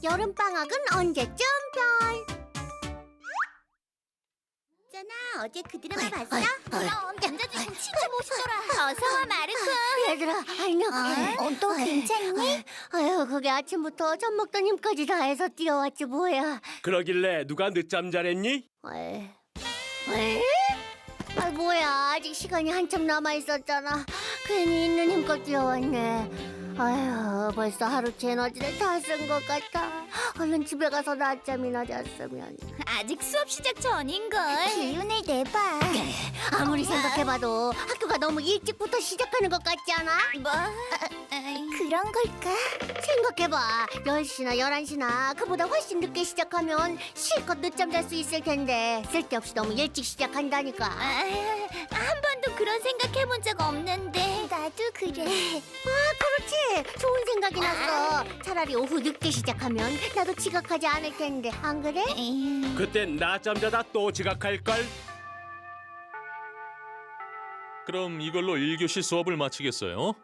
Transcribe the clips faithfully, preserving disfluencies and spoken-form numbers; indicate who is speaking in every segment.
Speaker 1: 여름방학은 언제쯤 별.
Speaker 2: 있잖아, 어제 그 드라마 봤어?
Speaker 1: 어이, 어이.
Speaker 2: 그럼 남자 주인공 진짜 멋있더라. 어서 와, 마르코.
Speaker 1: 얘들아, 안녕.
Speaker 2: 어? 또 괜찮니?
Speaker 1: 아유, 그게 아침부터 젖 먹던 힘까지 다 해서 뛰어왔지 뭐야.
Speaker 3: 그러길래 누가 늦잠 잘했니?
Speaker 1: 왜? 왜? 아, 뭐야, 아직 시간이 한참 남아있었잖아. 괜히 있는 힘껏 뛰어왔네. 아휴, 벌써 하루치 에너지를 다 쓴 것 같아. 얼른 집에 가서 낮잠이나 잤으면.
Speaker 2: 아직 수업 시작 전인걸. 기운을 내봐.
Speaker 1: 아무리 생각해봐도 학교가 너무 일찍부터 시작하는 것 같지 않아?
Speaker 2: 뭐? 그런 걸까?
Speaker 1: 생각해봐. 열 시나 열한 시나 그보다 훨씬 늦게 시작하면 실컷 늦잠 잘 수 있을 텐데 쓸데없이 너무 일찍 시작한다니까.
Speaker 2: 아, 한 번도 그런 생각해본 적 없는데. 나도 그래.
Speaker 1: 아, 그렇지. 좋은 생각이 났어. 차라리 오후 늦게 시작하면 나도 지각하지 않을 텐데. 안 그래?
Speaker 2: 에이.
Speaker 3: 그땐 낮잠 자다 또 지각할걸?
Speaker 4: 그럼 이걸로 일 교시 수업을 마치겠어요?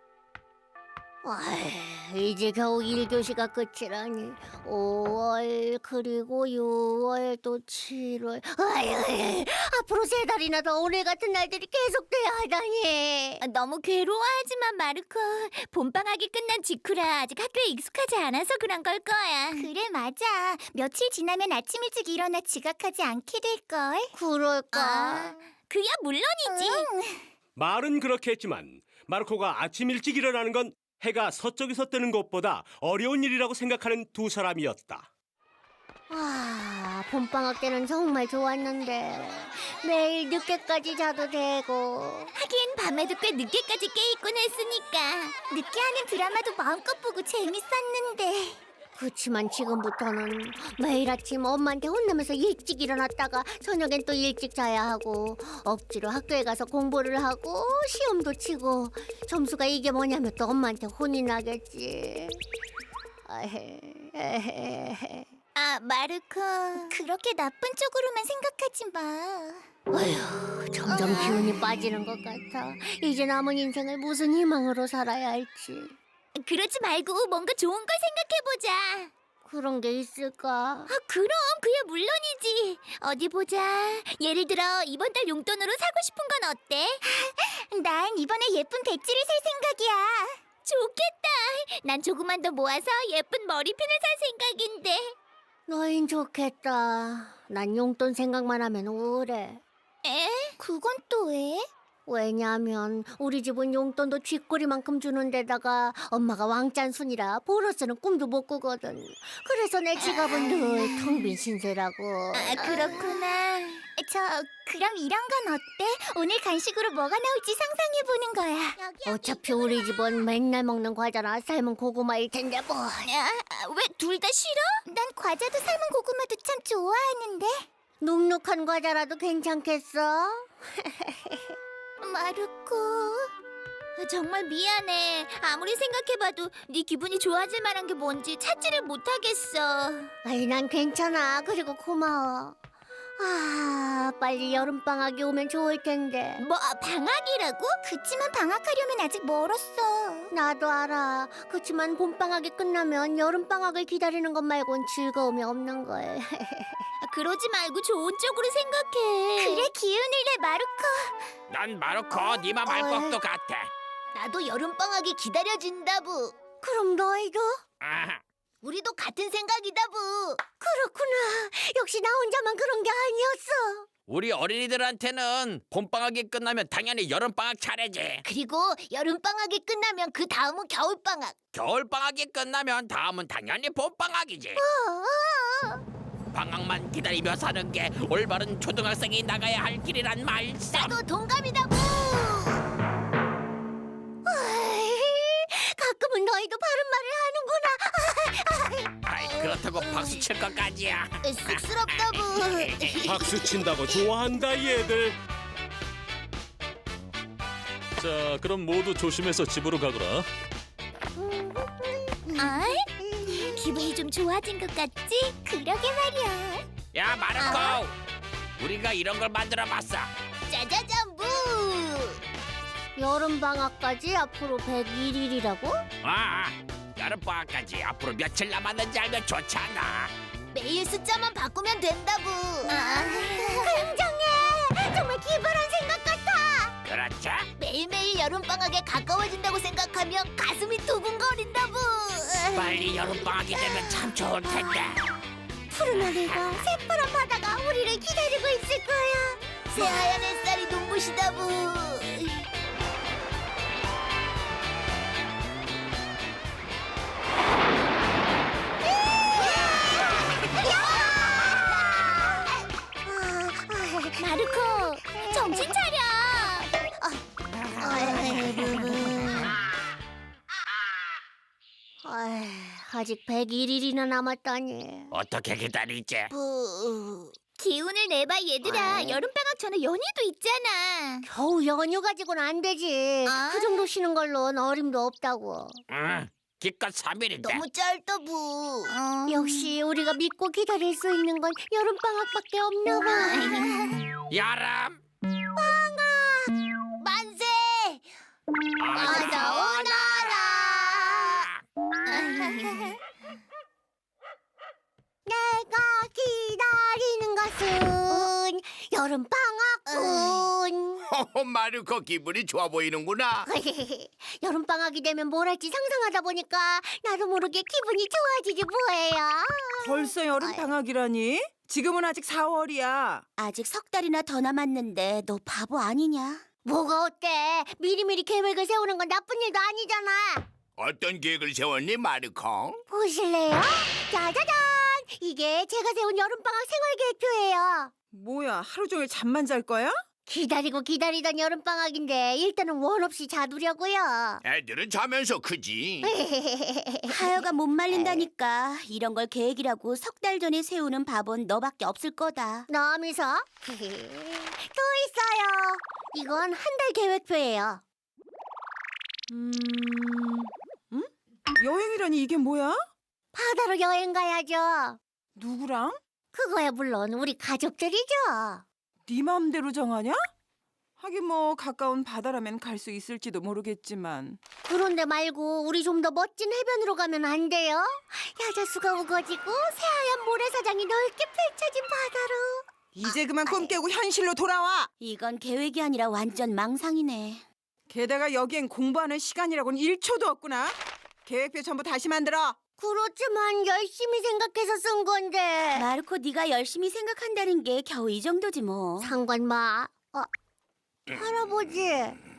Speaker 1: 아휴, 이제 겨우 일 교시가 끝이라니. 오월 그리고 유월 또 칠월. 아휴, 앞으로 세 달이나 더 오늘 같은 날들이 계속돼야 하다니.
Speaker 2: 너무 괴로워하지만 마르코. 봄방학이 끝난 직후라 아직 학교에 익숙하지 않아서 그런 걸 거야. 그래, 맞아. 며칠 지나면 아침 일찍 일어나 지각하지 않게 될걸.
Speaker 1: 그럴까?
Speaker 2: 아, 그야 물론이지.
Speaker 3: 말은 그렇게 했지만 마르코가 아침 일찍 일어나는 건 해가 서쪽에서 뜨는 것보다 어려운 일이라고 생각하는 두 사람이었다.
Speaker 1: 아, 봄방학 때는 정말 좋았는데 매일 늦게까지 자도 되고.
Speaker 2: 하긴 밤에도 꽤 늦게까지 깨있곤 했으니까. 늦게 하는 드라마도 마음껏 보고 재밌었는데.
Speaker 1: 그치만 지금부터는 매일 아침 엄마한테 혼나면서 일찍 일어났다가 저녁엔 또 일찍 자야 하고 억지로 학교에 가서 공부를 하고 시험도 치고 점수가 이게 뭐냐면 또 엄마한테 혼이 나겠지. 아헤, 에헤.
Speaker 2: 아, 마르코. 그렇게 나쁜 쪽으로만 생각하지 마.
Speaker 1: 어휴, 점점 기운이 빠지는 것 같아. 이제 남은 인생을 무슨 희망으로 살아야 할지.
Speaker 2: 그러지 말고 뭔가 좋은 걸 생각해보자.
Speaker 1: 그런 게 있을까?
Speaker 2: 아, 그럼 그야 물론이지. 어디 보자. 예를 들어 이번 달 용돈으로 사고 싶은 건 어때? 난 이번에 예쁜 배지를 살 생각이야. 좋겠다. 난 조금만 더 모아서 예쁜 머리핀을 살 생각인데.
Speaker 1: 너흰 좋겠다. 난 용돈 생각만 하면 우울해.
Speaker 2: 에? 그건 또 왜?
Speaker 1: 왜냐면 우리 집은 용돈도 쥐꼬리만큼 주는 데다가 엄마가 왕짠순이라 보러스는 꿈도 못 꾸거든. 그래서 내 지갑은 늘 텅 빈 신세라고.
Speaker 2: 아, 그렇구나. 저 그럼 이런 건 어때? 오늘 간식으로 뭐가 나올지 상상해보는 거야.
Speaker 1: 어차피 우리 집은 맨날 먹는 과자나 삶은 고구마일 텐데 뭐.
Speaker 2: 왜 둘 다 싫어? 난 과자도 삶은 고구마도 참 좋아하는데.
Speaker 1: 눅눅한 과자라도 괜찮겠어?
Speaker 2: 마르코, 정말 미안해. 아무리 생각해봐도 네 기분이 좋아질 만한 게 뭔지 찾지를 못하겠어.
Speaker 1: 아이, 난 괜찮아. 그리고 고마워. 아, 빨리 여름방학이 오면 좋을 텐데.
Speaker 2: 뭐 방학이라고? 그치만 방학하려면 아직 멀었어.
Speaker 1: 나도 알아. 그치만 봄방학이 끝나면 여름방학을 기다리는 것 말곤 즐거움이 없는 걸.
Speaker 2: 그러지 말고 좋은 쪽으로 생각해. 그래, 기운을 내, 마르코.
Speaker 5: 난 마르코 니마 말것도 같아.
Speaker 2: 나도 여름방학이 기다려진다부.
Speaker 1: 그럼 너희도?
Speaker 5: 아,
Speaker 2: 우리도 같은 생각이다부.
Speaker 1: 그렇구나. 역시 나 혼자만 그런 게 아니었어.
Speaker 5: 우리 어린이들한테는 봄방학이 끝나면 당연히 여름방학 차례지.
Speaker 2: 그리고 여름방학이 끝나면 그 다음은 겨울방학.
Speaker 5: 겨울방학이 끝나면 다음은 당연히 봄방학이지. 방학만 기다리며 사는 게 올바른 초등학생이 나가야 할 길이란 말씀.
Speaker 2: 나도 동감이다부.
Speaker 1: 아이, 가끔은 너희도 바른 말을 하는구나.
Speaker 5: 아이, 그렇다고 박수 칠 것까지야.
Speaker 2: 쑥스럽다부.
Speaker 3: 박수 친다고 좋아한다 얘들.
Speaker 4: 자, 그럼 모두 조심해서 집으로 가거라.
Speaker 2: 아이? 기분이 좀 좋아진 것 같지? 그러게 말이야.
Speaker 5: 야, 마르코, 우리가 이런 걸 만들어봤어.
Speaker 2: 짜자잔부.
Speaker 1: 여름방학까지 앞으로 백일 일이라고?
Speaker 5: 아, 여름 방학까지 앞으로 며칠 남았는지 알면 좋잖아.
Speaker 2: 매일 숫자만 바꾸면 된다부.
Speaker 1: 아, 굉장해. 정말 기발한 생각 같아.
Speaker 5: 그렇죠?
Speaker 2: 매일매일 여름방학에 가까워진다고 생각하면 가슴이 두근거린다부.
Speaker 5: 빨리 여름 방학이 되면 참 좋을 텐데.
Speaker 1: 푸른 하늘과 새파란 바다가 우리를 기다리고 있을 거야.
Speaker 2: 새하얀 햇살이 눈부시다부. 마르코, 정신 차려.
Speaker 1: 아휴, 아직 백일 일이나 남았다니.
Speaker 5: 어떻게 기다리지?
Speaker 2: 기운을 내봐 얘들아. 여름방학 전에 연휴도 있잖아.
Speaker 1: 겨우 연휴 가지고는 안 되지.
Speaker 2: 아.
Speaker 1: 그 정도 쉬는 걸로는 어림도 없다고.
Speaker 5: 응, 기껏 삼 일인데.
Speaker 2: 너무 짧다부.
Speaker 1: 역시 우리가 믿고 기다릴 수 있는 건 여름 방학밖에 없나 봐.
Speaker 5: 여름
Speaker 2: 만세.
Speaker 5: 어서
Speaker 2: 오너라.
Speaker 1: 내가 기다리는 것은 여름 방학군.
Speaker 6: 허허, 마르코 기분이 좋아 보이는구나.
Speaker 1: 여름 방학이 되면 뭘 할지 상상하다 보니까 나도 모르게 기분이 좋아지지 뭐예요.
Speaker 7: 벌써 여름 방학이라니? 지금은 아직 사월이야.
Speaker 2: 아직 석 달이나 더 남았는데 너 바보 아니냐?
Speaker 1: 뭐가 어때? 미리미리 계획을 세우는 건 나쁜 일도 아니잖아.
Speaker 6: 어떤 계획을 세웠니, 마르코?
Speaker 1: 보실래요? 짜자잔! 이게 제가 세운 여름방학 생활계획표예요.
Speaker 7: 뭐야, 하루 종일 잠만 잘 거야?
Speaker 1: 기다리고 기다리던 여름방학인데 일단은 원 없이 자두려고요.
Speaker 6: 애들은 자면서 크지.
Speaker 2: 하여가 못 말린다니까. 이런 걸 계획이라고 석 달 전에 세우는 바본 너밖에 없을 거다.
Speaker 1: 남이서 또 있어요. 이건 한 달 계획표예요.
Speaker 7: 음... 음? 여행이라니 이게 뭐야?
Speaker 1: 바다로 여행 가야죠.
Speaker 7: 누구랑?
Speaker 1: 그거야 물론 우리 가족들이죠.
Speaker 7: 네 맘대로 정하냐? 하긴 뭐 가까운 바다라면 갈 수 있을지도 모르겠지만
Speaker 1: 그런데 말고 우리 좀 더 멋진 해변으로 가면 안 돼요? 야자수가 우거지고 새하얀 모래사장이 넓게 펼쳐진 바다로.
Speaker 7: 이제 그만 꿈 깨고 현실로 돌아와!
Speaker 2: 이건 계획이 아니라 완전 망상이네.
Speaker 7: 게다가 여기엔 공부하는 시간이라고는 일 초도 없구나. 계획표 전부 다시 만들어.
Speaker 1: 그렇지만 열심히 생각해서 쓴 건데.
Speaker 2: 마르코 네가 열심히 생각한다는 게 겨우 이 정도지 뭐.
Speaker 1: 상관마. 어, 할아버지.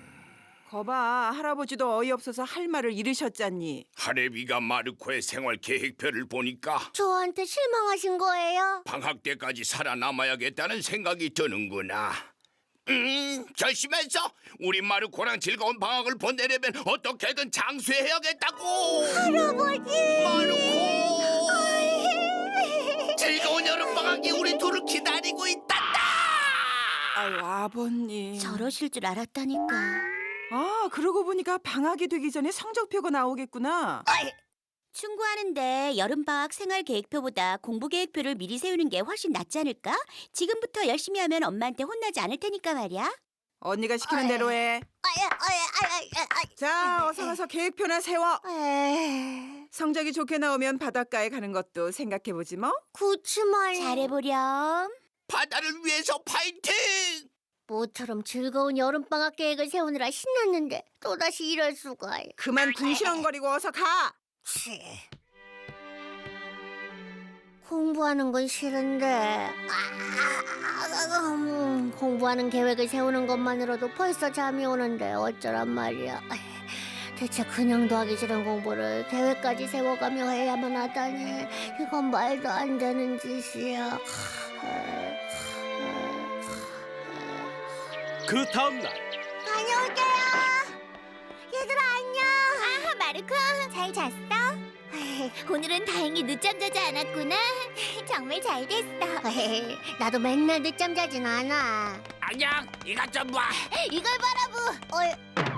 Speaker 7: 거봐, 할아버지도 어이없어서 할 말을 잃으셨잖니.
Speaker 6: 하레비가 마르코의 생활 계획표를 보니까
Speaker 1: 저한테 실망하신 거예요?
Speaker 6: 방학 때까지 살아남아야겠다는 생각이 드는구나. 음, 결심했어. 우리 마르코랑 즐거운 방학을 보내려면 어떻게든 장수해야겠다고.
Speaker 1: 할아버지.
Speaker 6: 마르코. 즐거운 여름 방학이 우리 둘을 기다리고 있단다.
Speaker 7: 아유, 아버님.
Speaker 2: 저러실 줄 알았다니까.
Speaker 7: 아, 그러고 보니까 방학이 되기 전에 성적표가 나오겠구나.
Speaker 2: 충고하는데 여름방학 생활계획표보다 공부계획표를 미리 세우는 게 훨씬 낫지 않을까? 지금부터 열심히 하면 엄마한테 혼나지 않을 테니까 말이야.
Speaker 7: 언니가 시키는 대로 해.
Speaker 1: 아야, 아야, 아야, 아야,
Speaker 7: 자, 어서 가서 계획표나 세워.
Speaker 1: 아야.
Speaker 7: 성적이 좋게 나오면 바닷가에 가는 것도 생각해보지 뭐.
Speaker 1: 그치만
Speaker 2: 잘해보렴.
Speaker 6: 바다를 위해서 파이팅!
Speaker 1: 모처럼 즐거운 여름방학 계획을 세우느라 신났는데 또다시 이럴 수가.
Speaker 7: 그만 궁시렁거리고 어서 가.
Speaker 1: 치. 공부하는 건 싫은데 아, 음, 공부하는 계획을 세우는 것만으로도 벌써 잠이 오는데 어쩌란 말이야. 대체 그냥도 하기 싫은 공부를 계획까지 세워가며 해야만 하다니 이건 말도 안 되는 짓이야.
Speaker 3: 그 다음 날
Speaker 1: 다녀올게요. 얘들아 안녕.
Speaker 2: 아, 마르코 잘 잤어? 오늘은 다행히 늦잠 자지 않았구나. 정말 잘 됐어.
Speaker 1: 나도 맨날 늦잠 자진 않아.
Speaker 5: 안녕, 이것 좀 봐.
Speaker 2: 이걸 바라보.
Speaker 1: 어이,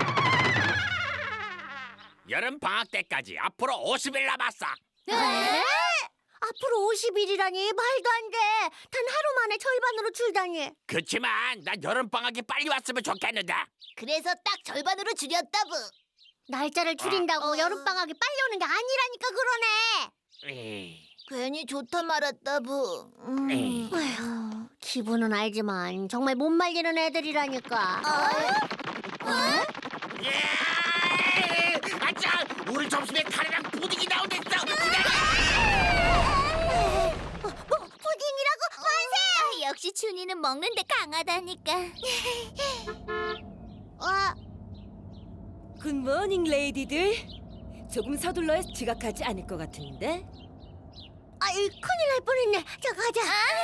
Speaker 5: 여름 방학 때까지 앞으로 오십 일 남았어.
Speaker 1: 에? 앞으로 오십 일이라니 말도 안 돼. 단 하루 만에 절반으로 줄다니.
Speaker 5: 그치만 난 여름 방학이 빨리 왔으면 좋겠는데.
Speaker 2: 그래서 딱 절반으로 줄였다부.
Speaker 1: 날짜를 줄인다고
Speaker 2: 어.
Speaker 1: 여름방학이 빨리 오는 게 아니라니까 그러네.
Speaker 5: 에이,
Speaker 2: 괜히 좋다 말았다 부. 음.
Speaker 5: 에이.
Speaker 1: 에휴, 기분은 알지만 정말 못 말리는 애들이라니까.
Speaker 5: 예! 아짜! 우리 점심에 카레랑 푸딩이 나온댔어.
Speaker 1: 푸딩이라고 만세!
Speaker 2: 아, 역시 준이는 먹는데 강하다니까.
Speaker 1: 어,
Speaker 8: 굿모닝 레이디들. 조금 서둘러야 지각하지 않을 것 같은데.
Speaker 1: 아이 큰일 날 뻔했네. 자 가자.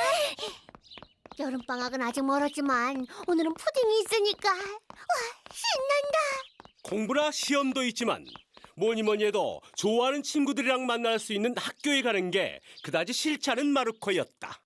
Speaker 1: 여름방학은 아직 멀었지만 오늘은 푸딩이 있으니까 와 신난다.
Speaker 3: 공부나 시험도 있지만 뭐니 뭐니 해도 좋아하는 친구들이랑 만날 수 있는 학교에 가는 게 그다지 싫지 않은 마르코였다.